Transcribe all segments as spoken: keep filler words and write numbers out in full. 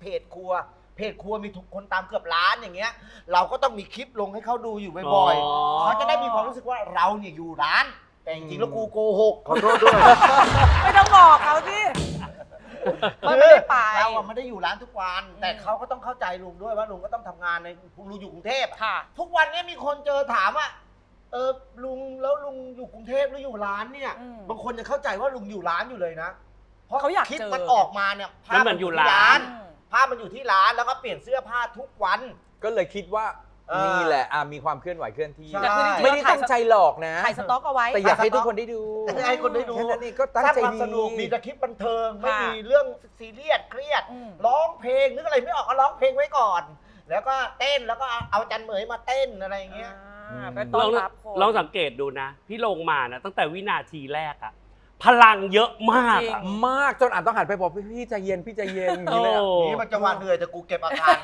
เพจครัวเพจครัวมีทุกคนตามเกือบล้านอย่างเงี้ยเราก็ต้องมีคลิปลงให้เขาดูอยู่บ่อยๆเขาจะได้มีความรู้สึกว่าเราเนี่ยอยู่ร้านแต่จริงๆแล้วกูโกหกขอโทษด้วยไม่ต้องบอกเขาสิไม่ได้ไปเราอะไม่ได้อยู่ร้านทุกวันแต่เขาก็ต้องเข้าใจลุงด้วยว่าลุงก็ต้องทำงานในลุงอยู่กรุงเทพทุกวันนี้มีคนเจอถามว่าเออลุงแล้วลุงอยู่กรุงเทพหรืออยู่ร้านเนี่ยบางคนจะเข้าใจว่าลุงอยู่ร้านอยู่เลยนะเพราะคลิปมันออกมาเนี่ยภาพมันอยู่ร้านภาพมันอยู่ที่ร้านแล้วก็เปลี่ยนเสื้อผ้าทุกวันก็เลยคิดว่านี่แหละมีความเคลื่อนไหวเคลื่อนที่ไม่ได้ตั้งใจหลอกนะถ่ายสต็อกเอาไว้แต่อยากให้ทุกคนได้ดูให้คนได้ดูแค่นั้นเองก็ตั้งใจความสนุกมีแต่คลิปบันเทิงไม่มีเรื่องซีเรียสเครียดร้องเพลงนึกอะไรไม่ออกก็ร้องเพลงไว้ก่อนแล้วก็เต้นแล้วก็เอาจันเหมยมาเต้นอะไรอย่างเงี้ยลองลองสังเกตดูนะพี่ลงมานะตั้งแต่วินาทีแรกอะพลังเยอะมากมากจนอ่านต้องหันไปบอกพี่ใจเย็นพี่ใจเย็นนี่แหละนี่มันจังหวะเหนื่อยแต่กูเก็บอาการ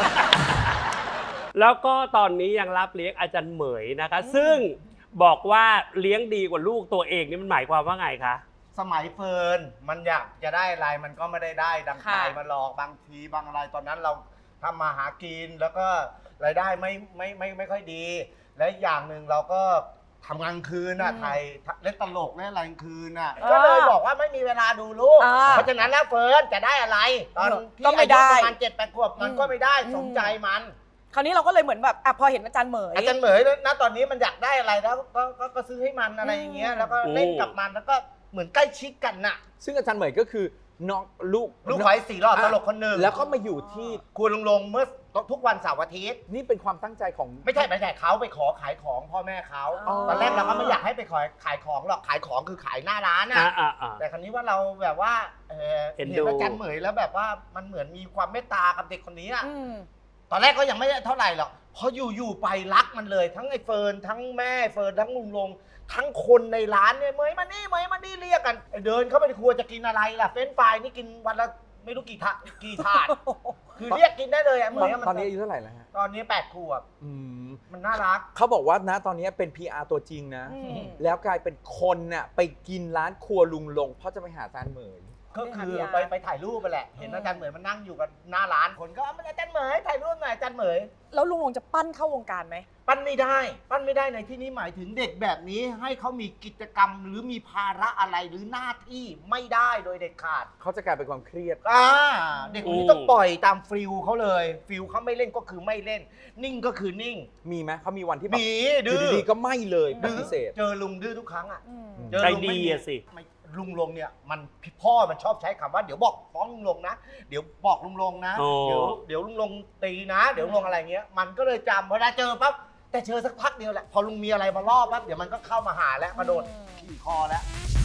แล้วก็ตอนนี้ยังรับเลี้ยงอาจารย์เหมยนะคะซึ่งบอกว่าเลี้ยงดีกว่าลูกตัวเองนี่มันหมายความว่าไงคะสมัยเฟิร์นมันอยากจะได้อะไรมันก็ไม่ได้ได้ดังใจมาหลอกบางทีบางอะไรตอนนั้นเราทำมาหากินแล้วก็รายได้ไม่ไม่ไม่ไม่ค่อยดีและอย่างหนึ่งเราก็ทำงานคืนน่ะไทยเล่นตลกเล่นอะไรคืนน่ะก็เลยบอกว่าไม่มีเวลาดูลูกเพราะฉะนั้นแล้วเฟิร์นจะได้อะไรตอนที่อายุประมาณเจ็ดแปดขวบมันก็ไม่ได้สมใจมันคราวนี้เราก็เลยเหมือนแบบอ่ะพอเห็นอาจารย์เหมยอาจารย์เหมยนะตอนนี้มันอยากได้อะไรแล้วก็ก็ซื้อให้มันอะไรอย่างเงี้ยแล้วก็เล่นกับมันแล้วก็เหมือนใกล้ชิดกันน่ะซึ่งอาจารย์เหมยก็คือน้องลูกลูกขอยสี่รอบตลกคนหนึ่งแล้วก็มาอยู่ที่ครัวลุงลงเมื่อทุกวันเสาร์อาทิตย์นี่เป็นความตั้งใจของไม่ใช่ไม่ใช่เขาไปขอขายของพ่อแม่เขาตอนแรกเราก็ไม่อยากให้ไปขอขายของหรอกขายของคือขายหน้าร้านน่ะแต่ครั้นี้ว่าเราแบบว่าเห็นอาจารย์เหมยแล้วแบบว่ามันเหมือนมีความเมตตากับเด็กคนนี้อ่ะตอนแรกก็ยังไม่ได้เท่าไหร่หรอกพออยู่ๆไปรักมันเลยทั้งไอ้เฟิร์นทั้งแม่เฟิร์นทั้งลุงลงทั้งคนในร้านเนี่ยเหมยมานี่เหมยมานี่เรียกกันเดินเข้าไปในครัวจะกินอะไรล่ะเฟรนช์ฟรายนี่กินวันละไม่รู้กี่ถาดกี่ถาดคือเรียกกินได้เลยอ่ะเหมยตอนนี้อายุเท่าไหร่แล้วฮะตอนนี้แปดขวบมันน่ารักเขาบอกว่านะตอนนี้เป็น พี อาร์ ตัวจริงนะแล้วกลายเป็นคนน่ะไปกินร้านครัวลุงลงเพราะจะไปหาอาจารย์เหมยก็คือไปไปถ่ายรูปไปแหละเห็นอาจารย์เหมยมันนั่งอยู่กับหน้าร้านคนก็อาจารย์เหมยถ่ายรูปหน่อยอาจารย์เหมยแล้วลุงลงจะปั้นเข้าวงการไหมปั้นไม่ได้ปั้นไม่ได้ในที่นี้หมายถึงเด็กแบบนี้ให้เขามีกิจกรรมหรือมีภาระอะไรหรือหน้าที่ไม่ได้โดยเด็ดขาดเขาจะกลายเป็นความเครียดอ่าเด็กคนนี้ต้องปล่อยตามฟิลเขาเลยฟิลเขาไม่เล่นก็คือไม่เล่นนิ่งก็คือนิ่งมีไหมเขามีวันที่มีดื้อดีๆก็ไม่เลยปฏิเสธเจอลุงดื้อทุกครั้งอ่ะใจดีอะสิลุงลงเนี่ยมันพ่อมันชอบใช้คำว่าเดี๋ยวบอกฟ้องลุงลงนะเดี๋ยวบอกลุงลงนะเดี๋ยวเดี๋ยวลุงลงตีนะเดี๋ยวลุงลงอะไรเงี้ยมันก็เลยจำเวลาเจอปั๊บแต่เจอสักพักเดียวแหละพอลุงมีอะไรมาล่อปั๊บเดี๋ยวมันก็เข้ามาหาแล้วมาโดนขี่คอแล้ว